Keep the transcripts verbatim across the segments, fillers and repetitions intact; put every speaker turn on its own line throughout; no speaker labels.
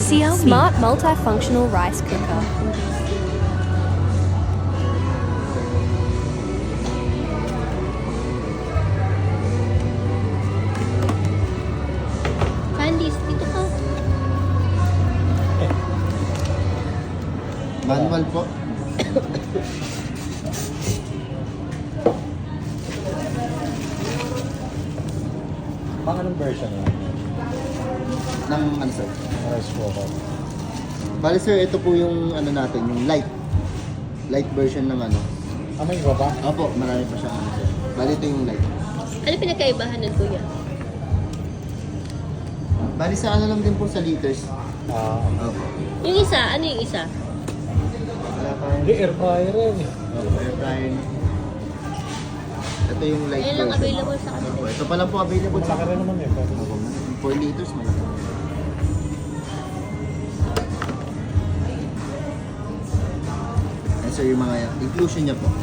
Xiaomi Smart Multifunctional Rice Cooker.
Candice, dito ka.
Manual po.
Pang anong version yun?
Ng ano sir?
Rice cooker.
Bali sir, ito po yung ano natin, yung light. Light version ng ano.
Ah, may iba ba?
Opo, marami pa siyang ano sir. Bali ito yung light.
Ano pinagkaibahan nun, kuya?
Bali sa ano lang din po sa liters.
Ah,
Opo.
Yung isa, ano yung isa?
Wala pa
hindi, air fryer yan eh.
Opo, air fryer. Ito yung light
Ayun lang
version.
available sa
Opo,
kanila.
ito pa lang po available sa
Malaki rin naman eh. Pero...
Opo, four liters malaki. Yan sir, yung mga inclusion niya po.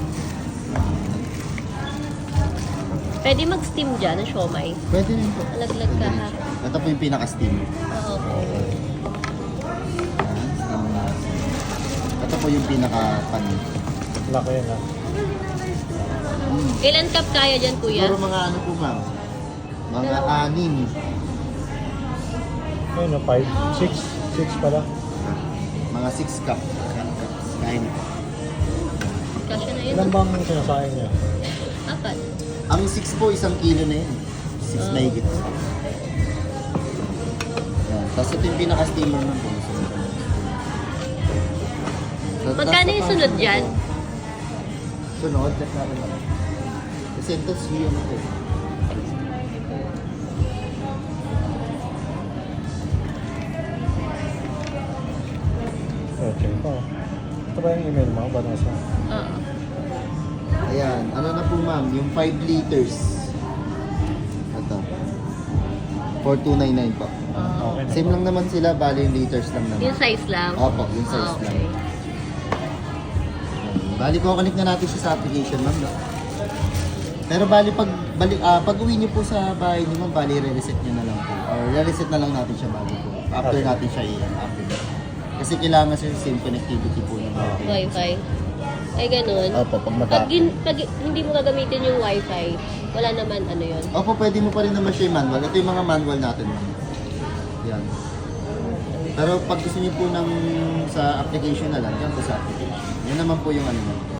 Pwede mag-steam dyan ng siomay.
Pwede rin po.
Alaglag ka, ha?
Ito po yung pinaka-steam.
Oo, okay.
Yan, steam na. Ito po yung pinaka-pan.
Laki yan ah.
Ilan cup kaya dyan, kuya?
Siguro mga ano po ma'am? Mga anim.
Ayun o, five, six, six pala.
Mga six cup. Yan, cups. Kain.
Kasya na yun.
Ilan bang sinasayang niya?
Apat.
Ang six po, isang kilo na yun. six
Ah.
na higit. Yan. Tapos ito yung pinaka-steamer naman po. So,
Magkano yung sunod dyan?
Sunod, check natin naman. Kasi ito siya mo ito.
Oh, check ko. Ito ba yung email mo? Banasa?
Oo.
Ayan, ano na po ma'am, yung five liters. Ito. four two nine nine po.
Oo.
Okay na
Same
po.
lang naman sila, bali yung liters lang naman.
Yung size lang?
Opo, yung size
Ah, okay.
lang. Bali ko connect na natin siya sa application ma'am. No? Pero bali pag bali ah, pag uwi niyo po sa bahay niyo ma'am, bali re-reset niyo na lang po. Or re-reset na lang natin siya bago po. After
Okay.
natin siya i-activate. Kasi kailangan siya same connectivity po ng
Wi-Fi. Ay, ganun.
Opo, pag mata.
Pag, gin- pag hindi mo gagamitin yung Wi-Fi, wala naman ano yun.
Opo, pwede mo pa rin naman siya i-manual. Ito yung mga manual natin ma'am. Yan. Pero pag gusto niyo po ng sa application na lang, yan po sa application. Yan naman po yung ano ma'am.